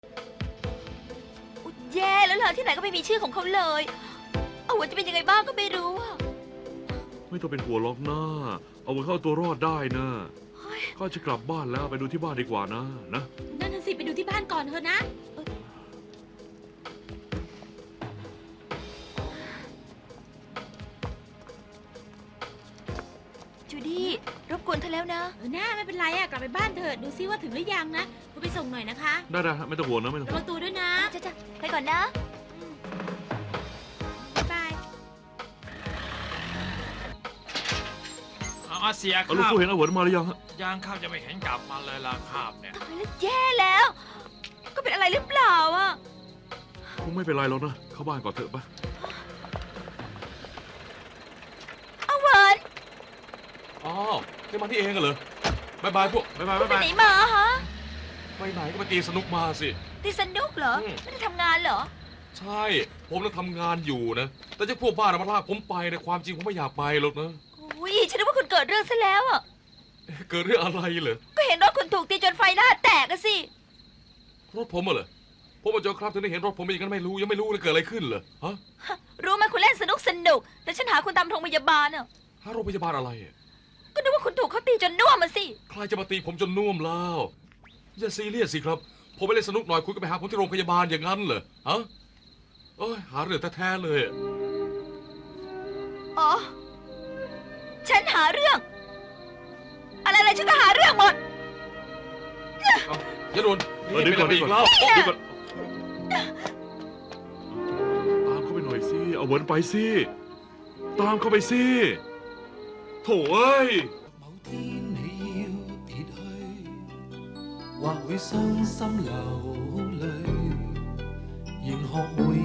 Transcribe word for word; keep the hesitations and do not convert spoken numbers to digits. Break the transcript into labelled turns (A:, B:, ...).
A: อุ๊ยแย่แล้วล่ะที่ไหนก็ไม่มีชื่อของเขาเลยเอาหัวจะเป็นยังไงบ้างก็ไม่รู้อะ
B: ไม่ต้องเป็นห่วงหรอกนะเอาไว้เข้าตัวรอดได้นะข้าจะกลับบ้านแล้วไปดูที่บ้านดีกว่านะนะ
C: นั่นน่ะสิไปดูที่บ้านก่อนเถอะนะ
A: จูดี้รบกวนเธอแล้วนะ
C: เออหน้าไม่เป็นไรอะกลับไปบ้านเถอะดูซิว่าถึงหรือยังนะคุณไปส่งหน่อยนะคะ
B: ได้ได้ไม่ต้องห่วงนะไม่ต้อง
C: ระ
B: ห่ว
C: วั
B: ง
C: งตัวด้วยนะ
A: จ้ะจ้ะไปก่อนนะ
C: บ๊ายบาย
D: เอาเสียค
B: เอาลูก
D: รับ
B: ฟูเห็นอาเหวินมาหรือยังฮะ
D: ยังครับจะไม่เห็นกลับมาเลยล่ะครับเนี่ย
A: ตายแล้วแย่แล้ว ก็เป็นอะไรหรือเปล่าอ่ะ
B: คงไม่เป็นไรหรอกนะเข้าบ้านก่อนเถอะปะ
A: เอาเวิร์น
E: อ๋อนี่มาที่เองเหรอบายบายพวกบายบาย
A: ไป
E: บายบาย
A: ไหนมาฮะ
E: ไปไหนก็ไปตีสนุกมาสิ
A: ตีสนุกเหรอ
E: อืม
A: ไม่ได้ทำงานเหรอ
E: ใช่ ผมน่ะทำงานอยู่นะ แต่เจ้าพวกบ้าน่ะมาลากผมไปในะความจริงผมไม่อยากไปหรอกนะ
A: อุ้ยฉันนึกว่าคุณเกิดเรื่องซะแล้วอ่ะ
E: เอ๊ะเกิดเรื่องอะไรเหรอ
A: ก็เห็นรถคุณถูกตีจนไฟหน้าแตกอะสิ
E: รถผมอะเหรอผมมาเจอครับถึงได้เห็นรถผมเป็นอย่างนั้นไม่รู้ยังไม่รู้เลยเกิดอะไรขึ้นเหรอฮะ
A: รู้ไหมคุณเล่นสนุกสนุก แต่ฉันหาคุณตามโรงพยาบาลอ่ะ
E: หาโรงพยาบาลอะไรอะ
A: ก็นึกว่าคุณถูกเขาตีจนน่วมมาสิ
E: ใครจะมาตีผมจนน่วมแล้วอย่าซีเรียสสิครับ ผมไปเล่นสนุกหน่อยคุณก็ไปหาผมที่โรงพยาบาลอย่างนั้นเหรอฮะเอ้ยหาเรื่องแท้ๆเลยอะ
A: อ๋อ ฉันหาเรื่อง อะไรอะไรฉันก็หาเรื่องหมด
E: เอาอย่าโดน
B: เออเดี๋ยวก่อน
E: เป็
B: เดี๋ยว
E: อี
B: ก่อน
E: แล้ว
B: เดี๋ยวก่อนตามเข้าไปหน่อยสิเอาเหวินไปสิตามเข้าไปสิโถ่เอ้ย
F: 某天你要別去，或會傷心流淚，仍學會